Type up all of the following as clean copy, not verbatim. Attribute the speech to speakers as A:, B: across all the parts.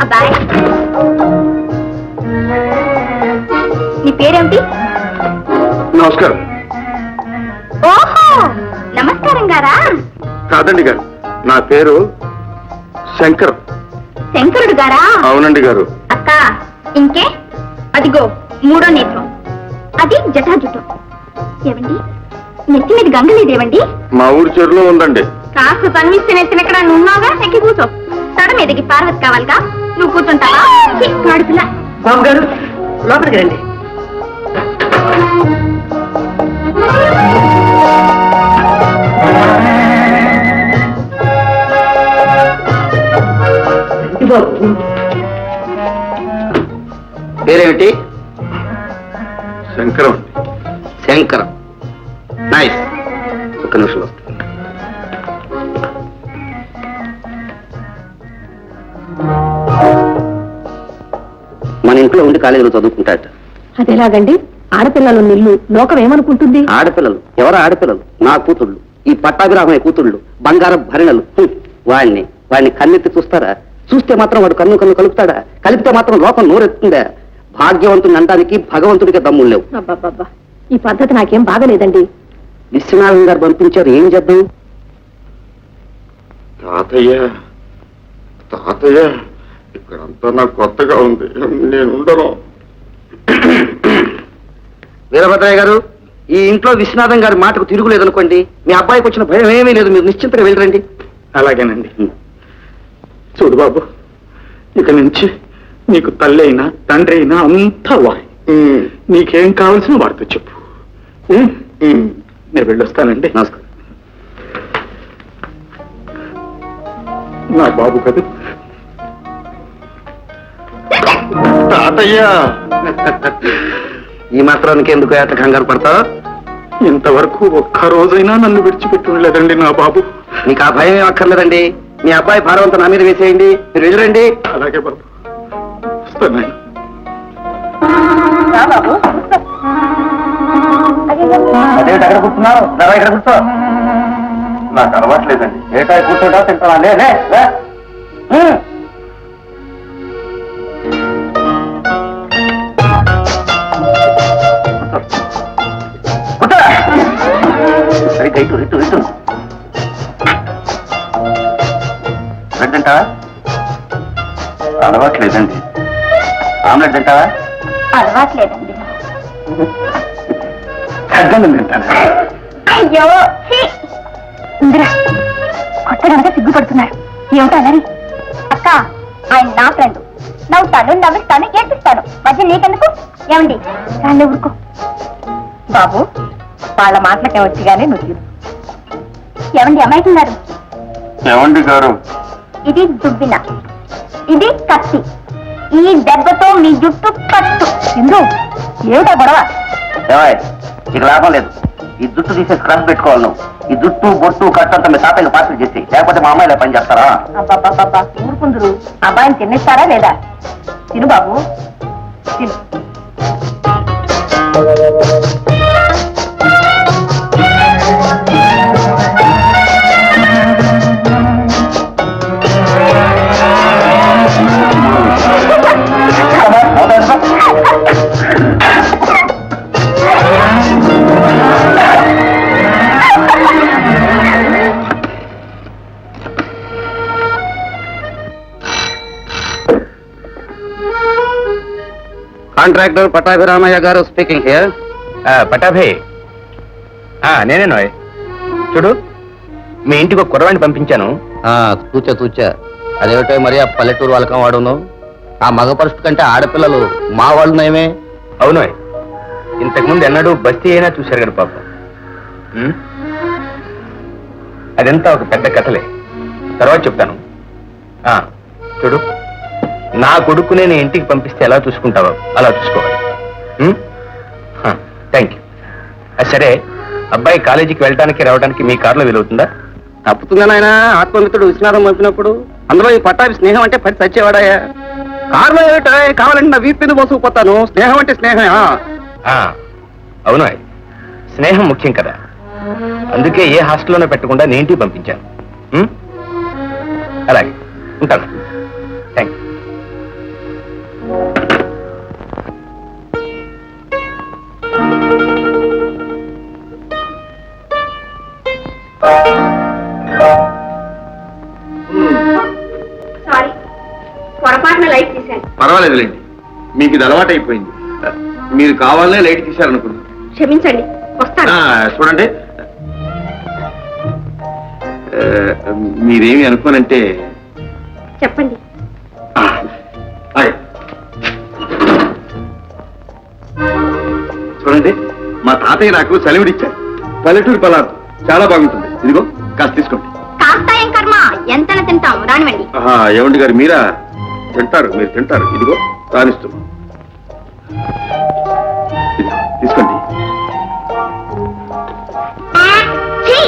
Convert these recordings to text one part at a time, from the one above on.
A: అబ్బాయి, నీ పేరేమిటి?
B: నమస్కారం.
A: ఓహో, నమస్కారం గారా?
B: కాదండి గారు, నా పేరు శంకర్.
A: శంకరుడు గారా?
B: అవునండి గారు.
A: అక్క, ఇంకే అదిగో మూడో నేత్రం, అది జటాజుటం. ఏవండి, నెత్తి మీద గంగలేదేవండి?
B: మా ఊరి చెరువులో ఉందండి.
A: కాస్త తన్విస్తే నెత్తినెక్కడ నున్నావుగా, ఎక్కి కూర్చో. తడ మీదకి పార్వతి కావాలిగా, నువ్వు కూర్చుంటావా? పిల్ల
C: బాబు గారు లోపలికి రండి.
D: పేరేమిటి?
B: శంకరం.
D: శంకరం. నైస్. ఒక్క నిమిషంలో. మన ఇంట్లో ఉండి కాలేజీలో చదువుకుంటాట.
C: అదేలాగండి? ఆడపిల్లలు నిల్లు లోకం ఏమనుకుంటుంది?
D: ఆడపిల్లలు ఎవరు? ఆడపిల్లలు నా కూతుళ్ళు, ఈ పట్టాభిరామయ్య కూతుళ్ళు, బంగారం భరిణలు. వాడిని కన్నెత్తి చూస్తారా? చూస్తే మాత్రం వాడు కన్ను కలుపుతాడా? కలిపితే మాత్రం లోకం నోరెత్తుందా? భాగ్యవంతుని అనడానికి భగవంతుడికి దమ్ములు లేవు.
C: అబ్బాబ్బా, ఈ పద్ధతి నాకేం బాగలేదండి.
D: విశ్వనాథం గారు పంపించారు, ఏం చేద్దాం?
B: తాతయ్య, తాతయ్య, ఇక్కడంతా నాకు కొత్తగా ఉంది, నేను ఉండను.
D: వీరభద్రయ్య గారు, ఈ ఇంట్లో విశ్వనాథం గారి మాటకు తిరుగులేదనుకోండి. మీ అబ్బాయికి వచ్చిన భయం ఏమీ లేదు, మీరు నిశ్చింతగా వెళ్ళరండి.
B: అలాగేనండి. చూడు బాబు, ఇక నుంచి నీకు తల్లి అయినా తండ్రి అయినా అంతా వాయి. నీకేం కావాల్సిన వాడితో చెప్పు. నేను వెళ్ళొస్తానండి.
D: నమస్కారం.
B: నా బాబు కదా తాతయ్య.
D: ఈ మాత్రానికి ఎందుకు ఏట కంగారు పడతావు?
B: ఇంతవరకు ఒక్క రోజైనా నన్ను విడిచిపెట్టి ఉండలేదండి నా బాబు.
D: మీకు ఆ భయం ఏం అక్కర్లేదండి. మీ అబ్బాయి భారవంతం నా మీద వేసేయండి, మీరు ఎదురండి.
B: అలాగే బాబు, వస్తాను.
D: అదేంటి అక్కడ కూర్చున్నావు? ఇక్కడ కూర్చో.
B: నాకు అలవాట్లేదండి.
D: ఏటా కూర్చోటా తింటావా? లే. ఇటు ఇటు ఇటు. బ్రెడ్ తింటావా?
B: అలవాట్లేదండి.
D: ఆమ్లెట్ తింటావా?
A: అలవాట్లేదండి.
B: తగ్గను తింటాను.
A: అయ్యో, ఇందిరా కొత్తగా సిగ్గుపడుతున్నారు. ఏమిటా మరి? అక్క, ఆయన నా ఫ్రెండ్. నవ్వుతాను, నవ్విస్తాను, ఏడ్పిస్తాను. మధ్య నీకెందుకు? ఏమండి, రాళ్ళు ఊరుకో. బాబు, వాళ్ళ మాటలకే వచ్చిగానే నువ్వు. ఏమండి అమ్మాయికున్నారు?
B: ఏమండి గారు?
D: ఇది దుబ్బిన, ఇది కత్తి. ఈ దెబ్బతో మీ జుట్టు కట్టు. ఇందు ఏమిటా గొడవ? ఇక లాభం లేదు. ఈ జుట్టు తీసే స్క్రబ్ పెట్టుకోవాలి నువ్వు. ఈ జుట్టు బొట్టు కట్టంతా మీ తాతయ్య పార్సల్ చేసి, లేకపోతే మా అమ్మాయిలా పని చేస్తారా? అబ్బాబ్బా ఊరుకుందరు. అబ్బాయిని తినేస్తారా లేదా? తిను బాబు, తిను.
E: కాంట్రాక్టర్ పట్టాభిరామయ్య గారు స్పీకింగ్ హియర్. పట్టాభి, నేనే నోయ్. చూడు, మీ ఇంటికి ఒక కుర్రవాణ్ణి పంపించాను.
D: తూచా అదేమిటో మరి ఆ పల్లెటూరు వాళ్ళకం వాడును. ఆ మగ పరుషు కంటే ఆడపిల్లలు మా వాళ్ళు నయమే.
E: అవును, ఇంతకుముందు ఎన్నడూ బస్తీ అయినా చూశారు కదా పాప. అదంతా ఒక పెద్ద కథలే, తర్వాత చెప్తాను. చూడు, నా కొడుకు నేను ఇంటికి పంపిస్తే ఎలా చూసుకుంటావో అలా చూసుకోవాలి. Thank you. సరే, అబ్బాయి కాలేజీకి వెళ్ళడానికి రావడానికి మీ కారులో వీలవుతుందా?
D: తప్పుతుందా నాయన? ఆత్మమిత్రుడు విశ్వనాథం పంపినప్పుడు అందులో ఈ పట్టాభి స్నేహం అంటే పడి చచ్చేవాడాయా? కారులో ఏమిటా? కావాలంటే నా వీపు మీద మోసుకుపోతాను. స్నేహం అంటే స్నేహమే.
E: అవును, స్నేహం ముఖ్యం కదా. అందుకే ఏ హాస్టల్లోనే పెట్టకుండా నేను ఇంటికి పంపించాను. అలాగే ఉంటాను. Thank you.
A: పొరపాటున లైట్ తీశాను.
E: పర్వాలేదులేండి, మీకు ఇది అలవాటు అయిపోయింది. మీరు కావాలనే లైట్ తీశారనుకున్నాను.
A: క్షమించండి, వస్తాను.
E: చూడండి, మీరేమి అనుకోనంటే
A: చెప్పండి.
E: చూడండి, మా తాతయ్య నాకు సెలవుడిచ్చారు. పల్లెటూరు పలారు చాలా బాగుంటుంది. ఇదిగో కాస్త తీసుకోండి.
A: కాస్త ఏం కర్మ, ఎంతన తింటాం, రానివ్వండి.
E: ఏమండి గారు, మీరా తింటారు? మీరు తింటారు. ఇదిగో రానిస్తూ తీసుకోండి.
A: ఛీ!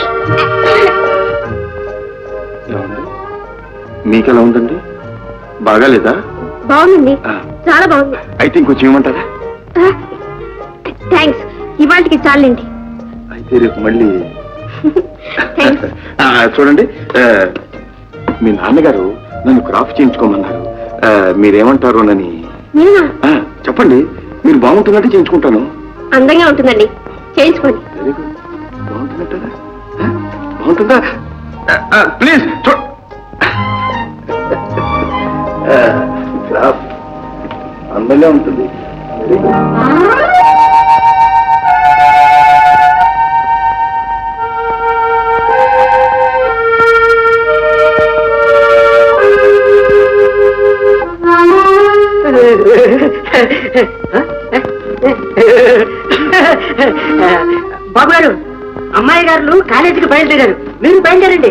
E: ఏమండి, మీకెలా ఉందండి? బాగాలేదా?
A: బాగుందండి,
E: ఆ.
A: చాలా బాగుంది.
E: అయితే ఇంకొంచెం ఇవ్వమంటారా?
A: థ్యాంక్స్, ఇవాళకి చాలండి.
E: అయితే రేపు మళ్ళీ
A: థ్యాంక్స్.
E: చూడండి, మీ నాన్నగారు నన్ను క్రాఫ్ చేయించుకోమన్నారు. మీరేమంటారు నని
A: నేనా?
E: చెప్పండి. మీరు బాగుంటున్నట్టు చేయించుకుంటాను.
A: అందంగా ఉంటుందండి, చేయించుకోండి.
E: Very good. బాగుంటున్నట్టా? బాగుంటుందా? ప్లీజ్ క్రాఫ్ అందంగా ఉంటుంది. Very good.
C: బాబు గారు, అమ్మాయి గారు కాలేజీకి బయలుదేరారు, మీరు బయలుదేరండి.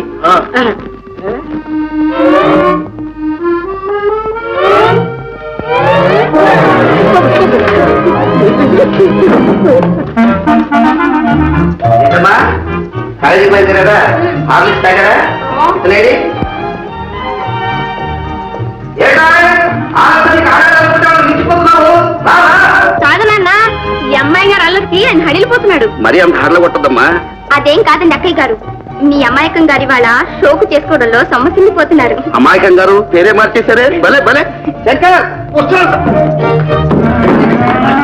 E: కాలేజీకి బయలుదేరారా? హార్లిక్స్ తాగారా? ఇతనేడి?
A: కాదు నాన్న, ఈ అమ్మాయి గారు అల్లరికి ఆయన హడిలిపోతున్నాడు.
E: మరీ అంత హార్ల కొట్టద్దమ్మా.
A: అదేం కాదండి అక్కయ్య గారు, మీ అమ్మాయకం గారి వాళ్ళ షోకు చేసుకోవడంలో సమస్యపోతున్నారు.
E: అమాయకం గారు పేరే మార్చేశారే. భలే భలే. శంకర్, వస్తున్నాను.